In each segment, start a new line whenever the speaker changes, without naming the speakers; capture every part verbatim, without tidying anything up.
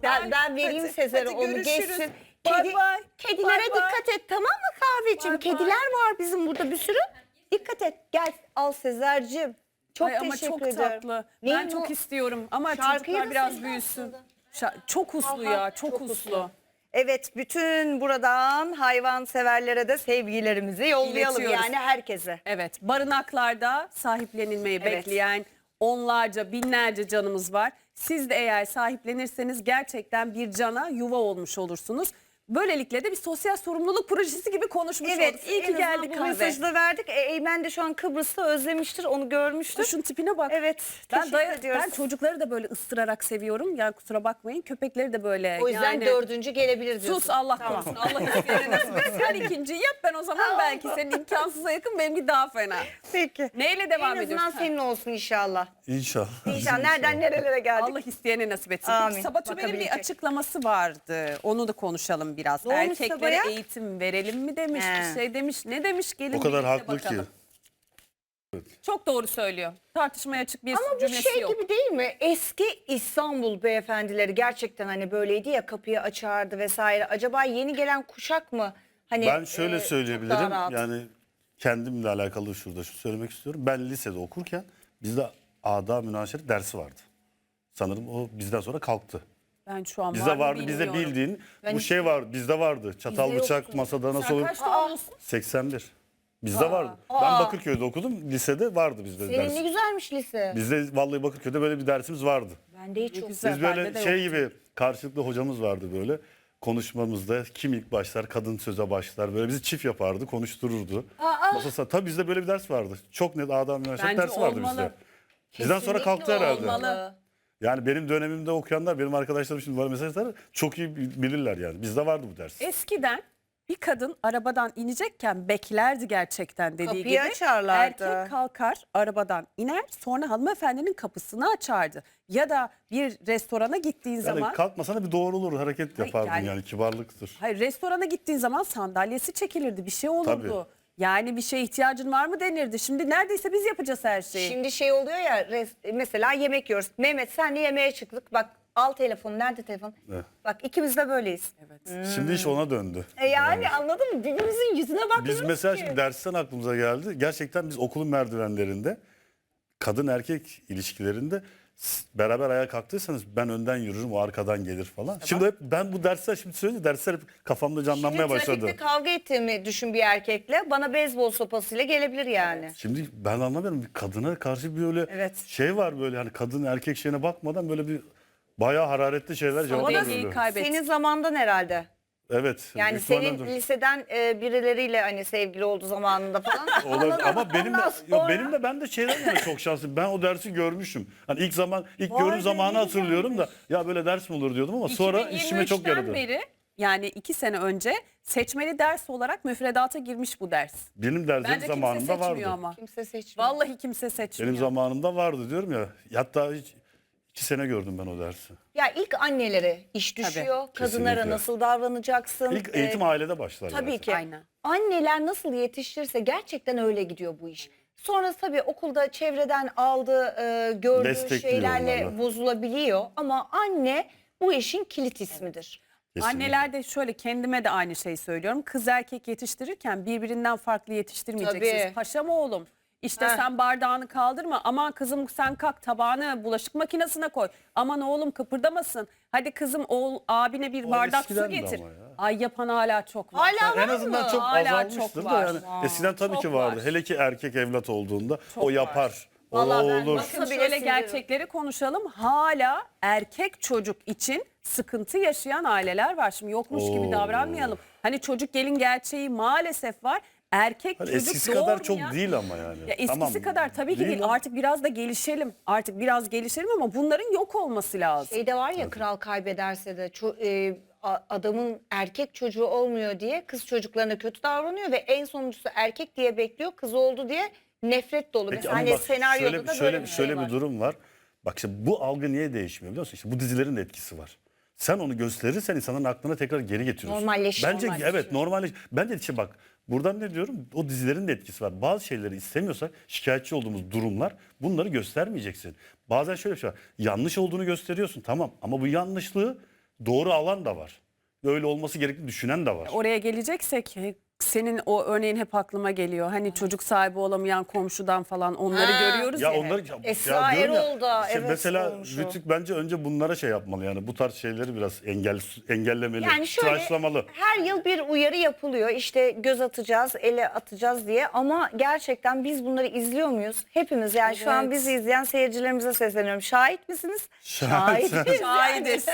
Ben, ben vereyim
Hadi,
Sezer'e
hadi
onu
görüşürüz.
geçsin.
Bay
Kedi,
bay.
kedilere
Bay bay.
dikkat et, tamam mı kahveciğim?
Bay bay.
Kediler var bizim burada bir sürü. Dikkat et. Gel al Sezer'cim. Çok
Ay ama
teşekkür
çok
ederim.
tatlı.
Neyin
Ben çok
o?
istiyorum ama
Şarkıyı
çocuklar
da
biraz
sizden
büyüsün.
aslında.
Şa- çok uslu
Aha,
ya, çok, uslu.
Evet, bütün buradan hayvan severlere de sevgilerimizi yollayalım,
İletiyoruz.
yani herkese.
Evet, barınaklarda sahiplenilmeyi
Evet.
bekleyen onlarca, binlerce canımız var. Siz de eğer sahiplenirseniz gerçekten bir cana yuva olmuş olursunuz. Böylelikle de bir sosyal sorumluluk projesi gibi konuşmuş
Evet,
olduk. İyi
en
ki
azından
geldik
bu
kahve.
mesajı da verdik. E, Eymen de şu an Kıbrıs'ta özlemiştir, onu görmüştür.
Şunun tipine bak.
Evet,
Ben,
teşekkür
daya-
ediyoruz.
ben çocukları da böyle ıstırarak seviyorum. Yani kusura bakmayın. Köpekleri de böyle.
O yüzden
yani...
dördüncü gelebilir diyorsun.
Sus Allah
Tamam.
korusun. Allah isteyene nasip etsin. Sen ikinciyi yap, ben o zaman belki senin imkansıza yakın, benimki daha fena.
Peki.
Neyle devam
En
ediyoruz?
azından senin olsun inşallah.
İnşallah.
İnşallah. Nereden nerelere geldik.
Allah isteyene nasip etsin.
Amin.
Peki, Sabaço'nun bir
Bakabilecek.
açıklaması vardı. Onu da konuşalım biraz.
Ne olmuş
Erkeklere
Sabah'a?
eğitim verelim mi demiş,
He.
bir şey demiş. Ne demiş? Gelin
O kadar
birlikte
haklı ki.
bakalım. Çok doğru söylüyor. Tartışmaya açık bir
Ama bu
cümlesi
şey
yok.
gibi değil mi? Eski İstanbul beyefendileri gerçekten hani böyleydi ya, kapıyı açardı vesaire. Acaba yeni gelen kuşak mı? Hani
Ben şöyle
e, çok
söyleyebilirim.
daha rahat.
Yani kendimle alakalı şurada şu söylemek istiyorum. Ben lisede okurken bizde ada münaşeret dersi vardı. Sanırım o bizden sonra kalktı.
Ben şu an
Bizde
var mı
vardı, bizde
bilmiyorum.
bildiğin
Ben
bu
hiç-
şey var, bizde vardı. Çatal
Bizde
bıçak
yoktu.
masada nasıl
Sen
olur?
kaç doğumlusun?
seksen bir. Bizde vardı. Ben
Aa.
Bakırköy'de okudum. Lisede vardı bizde
Senin
ders.
ne güzelmiş lise.
Bizde vallahi Bakırköy'de böyle bir dersimiz vardı.
Bende hiç yok.
güzel.
Biz
Bende
böyle
de
şey
yoktu.
gibi karşılıklı hocamız vardı böyle. Konuşmamızda kim ilk başlar, kadın söze başlar. Böyle bizi çift yapardı, konuştururdu.
Aa.
Masası, tabii bizde böyle bir ders vardı. Çok net adam üniversite
Bence
dersi vardı
olmalı.
bizde. Bizden sonra
Kesinlikle
kalktı herhalde.
olmalı.
Yani benim dönemimde okuyanlar, benim arkadaşlarım şimdi bana mesaj atar, çok iyi bilirler yani. Bizde vardı bu ders.
Eskiden bir kadın arabadan inecekken beklerdi gerçekten dediği
Kapıyı
gibi.
açarlardı.
Erkek kalkar arabadan iner, sonra hanımefendinin kapısını açardı. Ya da bir restorana gittiğin
Yani
zaman...
kalkmasana bir doğrulur, hareket yapardın
yani-
yani, kibarlıktır.
Hayır, restorana gittiğin zaman sandalyesi çekilirdi, bir şey olurdu.
Tabii.
Yani bir şeye ihtiyacın var mı denirdi. Şimdi neredeyse biz yapacağız her şeyi.
Şimdi şey oluyor ya, res- mesela yemek yiyoruz. Mehmet senle yemeğe çıktık. Bak al telefonu. Nerede telefon?
Evet.
Bak ikimiz de böyleyiz.
Evet.
Şimdi iş ona döndü.
E yani anladın mı? Birbirimizin yüzüne bakmıyoruz
Biz mesela
ki.
şimdi dersten aklımıza geldi. Gerçekten biz okulun merdivenlerinde kadın erkek ilişkilerinde s- beraber ayağa kalktıysanız ben önden yürürüm, o arkadan gelir falan. Şimdi hep ben bu dersler şimdi söyleyince dersler hep kafamda canlanmaya
Şimdi
başladı.
trafikte kavga ettiğimi düşün bir erkekle. Bana beyzbol sopasıyla gelebilir yani.
Şimdi ben anlamıyorum, bir kadına karşı bir öyle
Evet.
şey var, böyle hani kadın erkek şeyine bakmadan böyle bir bayağı hararetli şeyler cevap
O da
veriyor.
kaybet.
Senin zamandan herhalde.
Evet.
Yani
büyük
senin
ihtimalle-
lisededen e, birileriyle hani sevgili oldu zamanında falan.
Olabilir.
Anladın
Ama
mı?
benim de,
Ondan
yo,
sonra-
benim de ben de şeyden dolayı çok şanslıyım. Ben o dersi görmüşüm. Hani ilk zaman ilk
Vay
görüm
be,
zamanı
ne
hatırlıyorum da ya böyle ders mi olur diyordum ama sonra işime çok yaradı.
iki bin yirmi üçten beri, yani iki sene önce seçmeli ders olarak müfredata girmiş bu ders.
Benim derslerim
Bence kimse
zamanında
seçmiyor
vardı.
ama.
Kimse seçmiyor.
Vallahi kimse seçmiyor.
Benim zamanımda vardı diyorum ya. Hatta hiç, iki sene gördüm ben o dersi.
Ya ilk annelere iş düşüyor. Kadınlara
Kesinlikle.
nasıl davranacaksın?
İlk
Ee,
eğitim ailede başlar.
Tabii
zaten.
ki.
Aynen.
Anneler nasıl yetiştirirse gerçekten öyle gidiyor bu iş. Sonra tabii okulda çevreden aldığı, e, gördüğü
Destekliyor
şeylerle
onlarla.
bozulabiliyor. Ama anne bu işin kilit ismidir.
Kesinlikle.
Anneler de şöyle, kendime de aynı şeyi söylüyorum. Kız erkek yetiştirirken birbirinden farklı yetiştirmeyeceksiniz.
Tabii.
Paşam oğlum, işte
Heh.
sen bardağını kaldırma. Aman kızım sen kalk, tabağını bulaşık makinesine koy. Aman oğlum kıpırdamasın. Hadi kızım oğul abine bir
O
bardak su
eskidendi
getir.
ama ya.
Ay yapan hala çok var.
Hala var
En azından
mı?
çok
Hala
azalmıştır
çok
da
var.
yani.
Aa,
Eskiden tabii
çok
ki vardı.
var.
Hele ki erkek evlat olduğunda
Çok
o
var.
yapar. O
Vallahi ben
olur.
nasıl-
Bakın
bile
şöyle
siliyorum.
gerçekleri konuşalım. Hala erkek çocuk için sıkıntı yaşayan aileler var. Şimdi yokmuş gibi
Oo.
davranmayalım. Hani çocuk gelin gerçeği maalesef var. Erkek
Hani
çocuk
eskisi kadar çok
doğurmayan-
değil ama yani.
Ya eskisi
Tamam.
kadar tabii ki değil.
ama-
Artık biraz da gelişelim. Artık biraz gelişelim ama bunların yok olması lazım.
Şeyde var ya, kral kaybederse de ço- e, a- adamın erkek çocuğu olmuyor diye kız çocuklarına kötü davranıyor ve en sonuncusu erkek diye bekliyor, kız oldu diye nefret dolu.
Peki
Mesela
ama
hani
bak
senaryoda
şöyle,
da
şöyle,
böyle bir şey
şöyle
var.
bir durum var. Bak işte bu algı niye değişmiyor biliyor musun? İşte bu dizilerin de etkisi var. Sen onu gösterirsen insanların aklına tekrar geri getiriyorsun.
Normalleşiyor.
Bence
Normalleşiyor.
evet normalleş. Bence işte bak buradan ne diyorum? O dizilerin de etkisi var. Bazı şeyleri istemiyorsak şikayetçi olduğumuz durumlar, bunları göstermeyeceksin. Bazen şöyle bir şey var. Yanlış olduğunu gösteriyorsun tamam ama bu yanlışlığı doğru alan da var. Öyle olması gerektiğini düşünen de var.
Oraya geleceksek e, senin o örneğin hep aklıma geliyor. Hani çocuk sahibi olamayan komşudan falan onları
Ha.
görüyoruz ya.
Ya
hep.
onları ya,
Esra
diyorum ya,
Erol da,
işte
evet,
mesela
olmuş o.
Rütük bence önce bunlara şey yapmalı yani bu tarz şeyleri biraz engel engellemeli,
Yani şöyle
tıraşlamalı.
her yıl bir uyarı yapılıyor. İşte göz atacağız, ele atacağız diye. Ama gerçekten biz bunları izliyor muyuz? Hepimiz, yani şu an
Evet.
bizi izleyen seyircilerimize sesleniyorum. Şahit misiniz?
Şahit.
Şahidiz.
Şahidiz.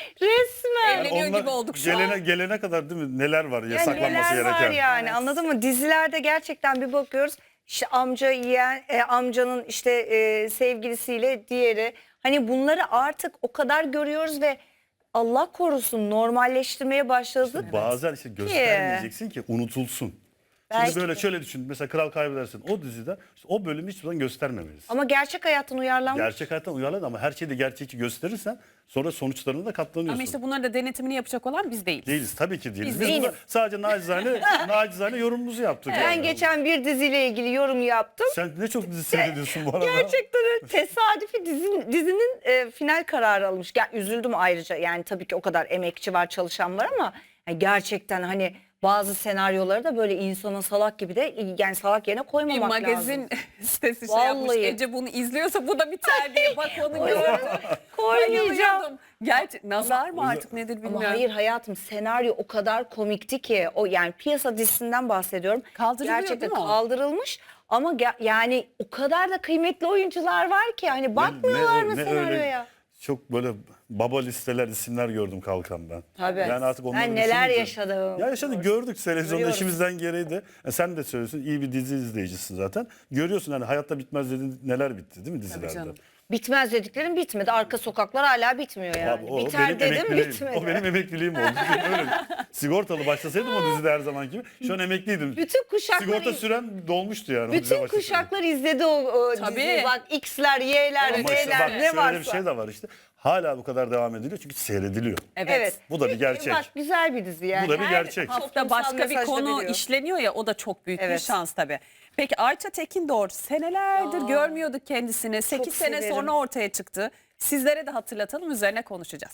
Resmen.
Evleniyor gibi olduk şu
gelene,
an.
Gelene kadar değil mi neler var ya
Yani
saklanması
neler
gereken.
var yani,
Evet.
anladın mı? Dizilerde gerçekten bir bakıyoruz. İşte amca yeğen, e, amcanın işte e, sevgilisiyle diğeri. Hani bunları artık o kadar görüyoruz ve Allah korusun normalleştirmeye başladık.
Bazen işte göstermeyeceksin ki unutulsun.
Belki
Şimdi böyle
de.
şöyle düşün. Mesela Kral Kaybedersin. O dizide işte o bölümü hiçbir zaman göstermemelisin.
Ama gerçek hayattan uyarlanmış.
Gerçek hayattan uyarlan ama her şeyi de gerçekçi gösterirsen sonra sonuçlarına da katlanıyorsun.
Ama işte bunların da denetimini yapacak olan biz değiliz.
Değiliz tabii ki değiliz.
Biz
Biz,
değiliz.
burada sadece nacizane, nacizane yorumumuzu yaptık.
Ben
yani.
geçen bir diziyle ilgili yorum yaptım.
Sen ne çok dizi seyrediyorsun bu arada.
Gerçekten öyle tesadüfi dizinin, dizinin e, final kararı almış. Ger- üzüldüm ayrıca, yani tabii ki o kadar emekçi var, çalışan var ama yani gerçekten hani bazı senaryoları da böyle insana salak gibi de, yani salak yerine
Bir
koymamak
magazin
lazım.
sitesi şey yapmış.
Vallahi.
Ece bunu izliyorsa bu da biter diye. Bak onu gördüm.
Koymayacağım.
Bayılıyordum. Gerçi nazar mı artık nedir bilmiyorum.
Ama hayır hayatım, senaryo o kadar komikti ki, o yani piyasa dizisinden bahsediyorum.
Kaldırılıyor
Gerçekten
değil mi o?
kaldırılmış ama ge- yani o kadar da kıymetli oyuncular var ki hani bakmıyorlar mı senaryoya?
Çok böyle baba listeler, isimler gördüm kalkan ben.
Tabii.
Yani artık onları
Ben neler
düşününce-
yaşadım.
Ya yaşadık, gördük televizyonda
Görüyoruz.
işimizden gereği de. E sen de söylüyorsun, iyi bir dizi izleyicisin zaten. Görüyorsun hani hayatta bitmez dediğin neler bitti değil mi dizilerde?
canım.
Bitmez dediklerim bitmedi. Arka sokaklar hala bitmiyor yani.
Abi, o
Biter
benim
dedim
emekliliğim.
bitmedi.
O benim emekliliğim oldu. Öyle. Sigortalı başlasaydım o dizide her zaman gibi. Şu an emekliydim.
Bütün kuşakları
Sigorta süren dolmuştu yani. o diziye
bütün
başlasaydım.
kuşaklar izledi o, o
Tabii.
diziyi. Bak X'ler, Y'ler,
Ama işte
Z'ler
bak
ne
şöyle
varsa.
bir şey de var işte. Hala bu kadar devam ediliyor çünkü seyrediliyor.
Evet.
Evet.
Bu da bir gerçek.
Bak güzel bir dizi yani.
Bu da bir
Her
gerçek.
Hafta
toplumsal
başka bir
mesaj da
konu
veriyor.
işleniyor ya, o da çok büyük bir
Evet.
şans tabii. Peki Ayça Tekindor senelerdir
Ya.
görmüyorduk kendisini. sekiz sene
severim.
sonra ortaya çıktı. Sizlere de hatırlatalım, üzerine konuşacağız.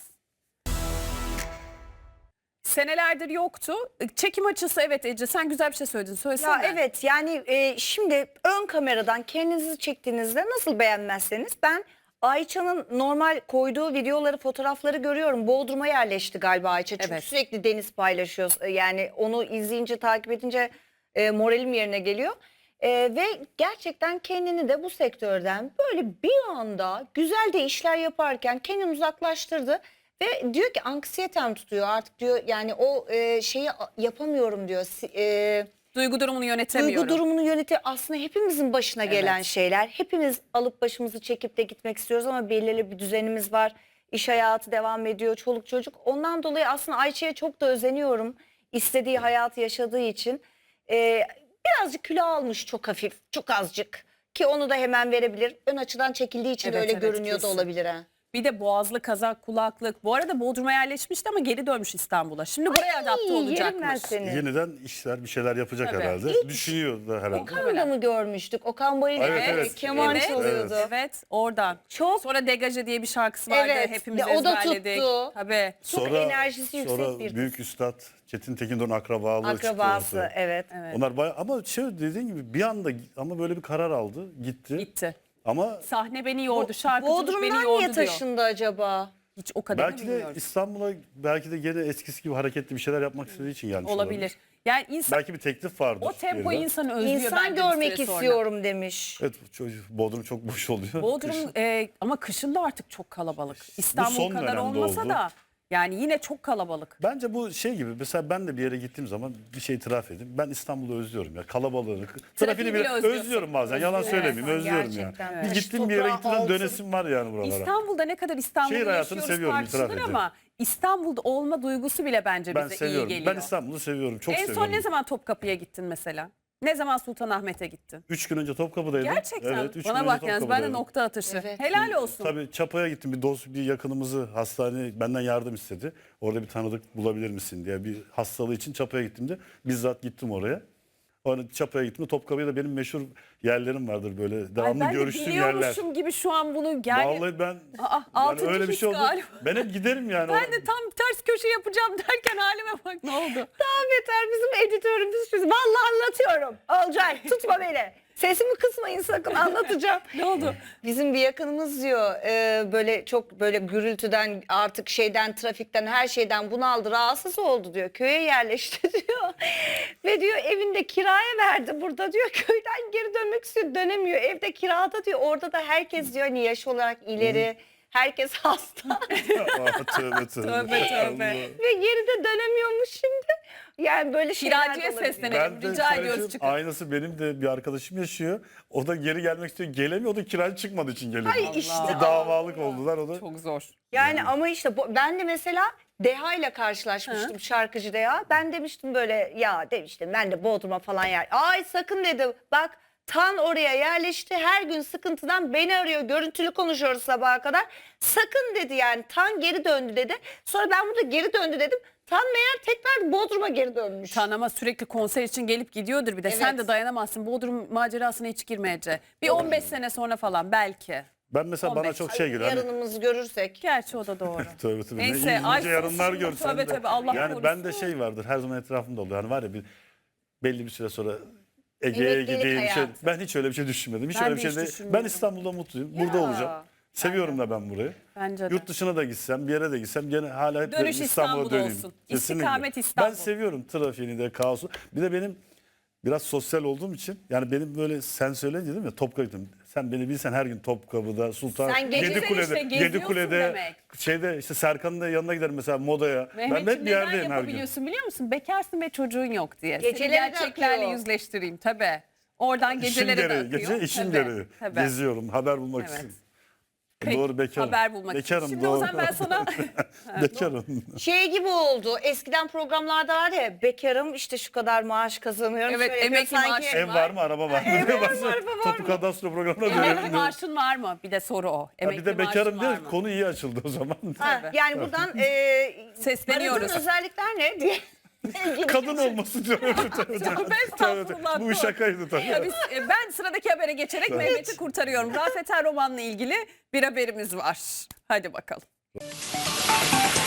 Senelerdir yoktu. Çekim açısı, evet Ece sen güzel bir şey söyledin. Söylesene.
Ya evet yani e, şimdi ön kameradan kendinizi çektiğinizde nasıl beğenmezseniz, ben Ayça'nın normal koyduğu videoları, fotoğrafları görüyorum. Bodrum'a yerleşti galiba Ayça. Çünkü
Evet.
sürekli deniz paylaşıyor. E, Yani onu izleyince, takip edince e, moralim yerine geliyor. E, ve gerçekten kendini de bu sektörden böyle bir anda güzel de işler yaparken kendini uzaklaştırdı. Ve diyor ki anksiyetem tutuyor artık diyor, yani o e, şeyi a- yapamıyorum diyor. Si- E,
Duygu durumunu yönetemiyorum.
Duygu durumunu yönetir. Aslında hepimizin başına gelen
Evet.
şeyler. Hepimiz alıp başımızı çekip de gitmek istiyoruz ama belirli bir düzenimiz var. İş hayatı devam ediyor, çoluk çocuk. Ondan dolayı aslında Ayça'ya çok da özeniyorum. İstediği hayatı yaşadığı için. Ee, birazcık kilo almış, çok hafif, çok azıcık. Ki onu da hemen verebilir. Ön açıdan çekildiği için de
Evet,
öyle
evet,
görünüyor da
kesin.
olabilir ha.
Bir de boğazlı kazak, kulaklık. Bu arada Bodrum'a yerleşmişti ama geri dönmüş İstanbul'a. Şimdi buraya adapte
Ay, yerim ben
olacakmış.
seni.
Yeniden işler bir şeyler yapacak
Tabii.
herhalde.
İlk-
Düşünüyor da herhalde.
Okan'ı da mı görmüştük? Okan Bayülgen
Evet, evet.
keman
evet,
çalıyordu.
Evet, oradan.
Çok
Sonra Degaje diye bir şarkısı vardı.
Evet,
Hepimiz
de o da
ezberledik.
tuttu.
Tabii.
Çok enerjisi yüksek
sonra
bir kız.
büyük üstad Çetin Tekindor'un akrabalığı
akrabası,
çıktı ortaya.
evet.
Onlar bayağı, ama şey dediğin gibi bir anda ama böyle bir karar aldı, gitti.
Gitti.
Ama
Sahne beni yordu, şarkıcılık beni
Bodrum'dan
yordu
niye
diyor.
taşındı acaba?
Hiç o kadarını
belki de
bilmiyoruz.
İstanbul'a belki de gene eskisi gibi hareketli bir şeyler yapmak istediği için gelmiş olabilir.
Olabilir. Yani insan
Belki bir teklif vardır.
o tempoyu
geriden.
insanı özlüyor
İnsan
bence bir
görmek
süre sonra.
istiyorum demiş.
Evet, çocuk, Bodrum çok boş oluyor.
Bodrum
Kışın.
e, ama kışın da artık çok kalabalık. İstanbul
son
kadar
dönemde
olmasa
oldu.
da yani yine çok kalabalık.
Bence bu şey gibi, mesela ben de bir yere gittiğim zaman bir şey itiraf edeyim. Ben İstanbul'u özlüyorum ya, kalabalığını. Trafiğini bile
bile özlüyorsun.
özlüyorum bazen, yalan
Özlüyorsun
söylemeyeyim, özlüyorum
gerçekten.
yani. Bir
Taş
gittiğim bir yere
toprağı
gittiğim zaman
altın.
dönesim var yani buralara.
İstanbul'da ne kadar İstanbul'da
Şehir hayatını
yaşıyoruz
seviyorum, itiraf
tartışılır
edeyim.
ama İstanbul'da olma duygusu bile bence
Ben
bize iyi
seviyorum.
geliyor.
Ben İstanbul'u seviyorum, çok
en
seviyorum.
son ne zaman Topkapı'ya gittin mesela? Ne zaman Sultanahmet'e gittin?
Üç gün önce Topkapı'daydım.
Gerçekten.
Evet, üç
Bana
gün
bak
önce
yalnız ben de
Topkapı'daydım.
nokta atışı.
Evet.
Helal olsun.
Tabii Çapa'ya gittim, bir dost, bir yakınımızı hastane benden yardım istedi. Orada bir tanıdık bulabilir misin diye, bir hastalığı için Çapa'ya gittim de bizzat gittim oraya. Hani Çapa'ya gittim. Topkapı'da benim meşhur yerlerim vardır böyle.
Ay,
Devamlı
ben de
görüştüğüm yerler.
biliyormuşum gibi şu an bunu yani.
Vallahi ben
Aa,
yani
altıncı
öyle bir
his
şey oldu.
galiba.
Ben hep giderim yani.
Ben de tam ters köşe yapacağım derken halime bak ne oldu?
Daha beter bizim editörümüz. şu- Vallahi anlatıyorum. Olcay tutma beni. Sesimi kısmayın sakın, anlatacağım.
Ne oldu?
Bizim bir yakınımız diyor e, böyle çok böyle gürültüden, artık şeyden, trafikten, her şeyden bunaldı, rahatsız oldu diyor. Köye yerleşti diyor. Ve diyor evinde kiraya verdi burada diyor. Köyden geri dönmek istiyor, dönemiyor. Evde kirada diyor. Orada da herkes diyor hani yaş olarak ileri. Herkes hasta.
Aa, tövbe tövbe.
Tövbe, tövbe.
Allah.
Ve geri de dönemiyormuş şimdi. Yani böyle şeyler de
Kiracıya
olabiliyor.
seslenelim.
Ben de
Rica
söyleyeyim,
ediyoruz çıkın.
aynısı benim de bir arkadaşım yaşıyor. O da geri gelmek istiyor. Gelemiyor. O da kiracı çıkmadığı için gelemiyor.
Ay
Allah.
işte.
İşte davalık oldular. O da
Çok zor.
Yani ama işte bu, ben de mesela Deha ile karşılaşmıştım, şarkıcı Deha. Ben demiştim böyle, ya demiştim ben de Bodrum'a falan yer. Ay sakın dedi, bak Tan oraya yerleşti, her gün sıkıntıdan beni arıyor, görüntülü konuşuyoruz sabaha kadar. Sakın dedi, yani Tan geri döndü dedi. Sonra ben burada geri döndü dedim. Tan meğer tekrar Bodrum'a geri dönmüş.
Tan ama sürekli konser için gelip gidiyordur bir de. Sen
Evet.
de dayanamazsın. Bodrum macerasına hiç girmeyece. Bir on beş sene sonra falan belki.
ben mesela bana
on beş.
çok şey geliyor. Hani,
Yarınımızı görürsek.
Gerçi o da doğru.
tövbe tövbe.
Neyse,
Ne
ay
ince yarınlar
sus.
görsen
Tövbe
de.
tövbe, Allah
yani ben de
korusun.
şey vardır her zaman etrafımda oluyor. Hani var ya bir belli bir süre sonra Ege'ye
Emeklilik
gideyim. Şey,
hayatı.
ben hiç öyle bir şey düşünmedim. Hiç
Ben
öyle bir
de
şey
hiç
değil.
düşünmedim.
Ben İstanbul'da mutluyum. Burada
Ya,
olacağım. Seviyorum da ben burayı.
Bence de.
Yurt dışına da gitsem, bir yere de gitsem gene hala hep
Dönüş
İstanbul'a
İstanbul
döneyim.
olsun.
Kesinlikle.
İstikamet İstanbul.
Ben seviyorum trafiğini de, kaosu. Bir de benim biraz sosyal olduğum için yani benim böyle sen söyleyince değil mi Topkapı gittim. Sen beni bilsen her gün Topkapı'da, Sultan,
Sen gece-
Yedikule'de,
Güzel işte, geziyorsun
Yedikule'de,
demek.
şeyde işte Serkan'ın da yanına giderim mesela modaya. ben
Mehmetciğim
hep bir
neden
yerdeyim her gün.
yapabiliyorsun biliyor musun? Bekarsın ve çocuğun yok diye. Seni
Geceleri de
gerçeklerle
akıyor.
yüzleştireyim tabii. Oradan
İşim
geceleri de
gereği,
akıyor.
gece işim
Tabii,
gereği.
tabii.
Geziyorum, haber bulmak
Evet.
için.
Peki,
Doğru bekarım.
haber bulmak için.
bekarım,
Şimdi
doğru.
o zaman ben sana
bekarım.
Şey gibi oldu. Eskiden programlarda var ya, bekarım işte şu kadar maaş kazanıyorum.
Evet,
şöyle yapıyor,
emekli maaşı.
Ev var mı, araba var mı?
Ev
diye
var mı,
başlıyor.
araba var
Topu
mı?
kadastro programına
emekli
dönüyor.
maaşın var mı? Bir de soru o.
Ha,
Emekli
bir de bekarım
maaşın
diye
var mı?
konu iyi açıldı o zaman.
Ha,
Tabii.
yani buradan e,
Sesleniyoruz.
aradığın özellikler ne diye.
Kadın olması diyor.
Tövbe estağfurullah.
Bu şakaydı tabii.
Ya biz, e, ben sıradaki habere geçerek Mehmet'i kurtarıyorum. Rafet Er romanla ilgili bir haberimiz var. Hadi bakalım.